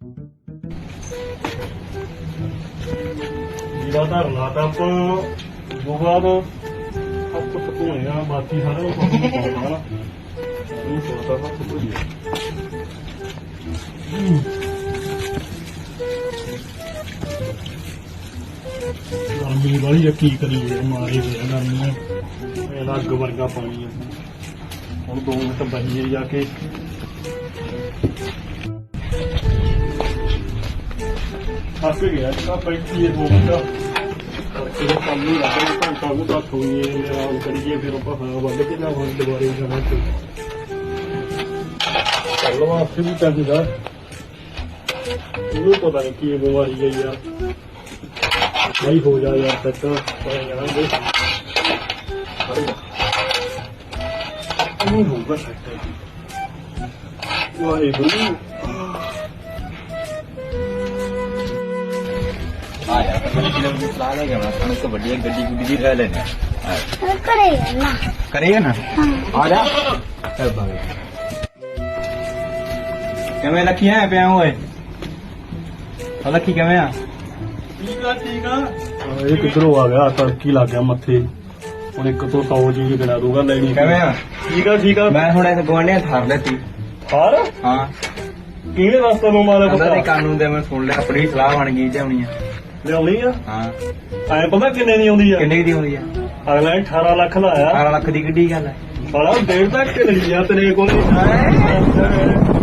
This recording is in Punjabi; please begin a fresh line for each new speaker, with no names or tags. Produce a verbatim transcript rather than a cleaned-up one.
ਜੀਵਾ ਧਰਨਾ ਤਾਂ ਆਪਾਂ ਉਦੋਂ ਬਾਅਦ ਹੱਥ ਧੋਏਗਾ, ਬਾਕੀ ਸਾਰਾ ਉਹ ਕੰਮ ਪਾਉਣਾ ਨਾ ਉਹ ਸੋਚਦਾ ਹੱਥ ਧੋਈਏ। ਗਰਮੀ ਵਾਲੀ ਆ, ਕੀ ਕਰੀਏ, ਮਾਰੇ ਪਿਆ ਗਰਮੀ ਇਹਦਾ ਅੱਗ ਵਰਗਾ ਪਾਣੀ ਆ। ਹੁਣ ਦੋ ਮਿੰਟ ਬਹੀਏ ਜਾ ਕੇ ਥੱਕ ਗਿਆ ਤਾਂ ਬੈਠੀਏ ਦੋ ਮਿੰਟ ਕਰਕੇ ਕੰਮ ਨਹੀਂ ਲੱਗ ਰਿਹਾ। ਘੰਟਾ ਨੂੰ ਤਾਂ ਸੋਈਏ, ਆਰਾਮ ਕਰੀਏ, ਫਿਰ ਆਪਾਂ ਹਾਂ ਵੱਧ ਕੇ ਨਾ ਹੁਣ ਦੁਬਾਰੇ ਜਾਣਾ ਤੇ ਚੱਲ ਵਾਸਤੇ ਵੀ ਚਾਹੀਦਾ। ਇਹਨੂੰ ਪਤਾ ਨਹੀਂ ਕੀ ਬਿਮਾਰੀ ਹੈ ਯਾਰ, ਨਹੀਂ ਹੋ ਜਾ ਯਾਰ ਤੱਕ ਪੈ ਜਾਣਗੇ ਨਹੀਂ ਹੋਊਗਾ ਸੱਟ। ਵਾਹਿਗੁਰੂ
हाँ यार पहले किलोमीटर चला लेगा मैं खाने को बढ़िया गड्डी गुड्डी भी रह लेना
करेगा ना
करेगा ना
हाँ।
आ जा चल भाई ਕਿਵੇਂ ਲੱਖੀਆਂ ਹੈ ਪਿਆ ਓਏ ਆ ਲੱਖੀ ਕਿਵੇਂ ਆ
ਠੀਕ ਆ ਠੀਕ ਆ। ਇਹ ਕਿੱਧਰੋਂ ਆ ਗਿਆ, ਤੜਕੀ ਲੱਗ ਗਿਆ ਮੱਥੇ। ਹੁਣ ਇੱਕ ਤੋਂ ਸੌ ਚੀਜ਼ ਗਿਣਾ ਦੂਗਾ ਲੈਣੀ।
ਕਿਵੇਂ ਆ
ਠੀਕ ਆ ਠੀਕ ਆ।
ਮੈਂ ਹੁਣ ਇਸ ਗਵਾਂਢੀਆਂ ਥਾਰ ਲੈਤੀ
ਹਾਰ
ਹਾਂ
ਕਿਹਨੇ ਰਸਤੇ ਨੂੰ ਮਾਰਿਆ
ਪਤਾ ਨਹੀਂ
ਪਤਾ
ਕਾਨੂੰਨ ਦੇ ਮੈਂ ਸੁਣ ਲਿਆ ਆਪਣੀ ਸਲਾਹ ਬਣ ਗਈ ਲਿਆਉਣੀ ਆ
ਲਿਆਉਣੀ ਆ।
ਹਾਂ
ਐ ਪਤਾ ਕਿੰਨੇ ਦੀ ਆਉਂਦੀ ਆ?
ਕਿੰਨੇ ਦੀ ਆਉਂਦੀ ਆ
ਅਗਲਾ ਨੇ ਅਠਾਰਾਂ ਲੱਖ ਲਾਇਆ।
ਅਠਾਰਾਂ ਲੱਖ ਦੀ ਕਿੱਡੀ ਗੱਲ ਹੈ
ਸਾਲਾ ਡੇਢ ਤੱਕ ਲਈ ਆ ਤੇਰੇ ਕੋਲ।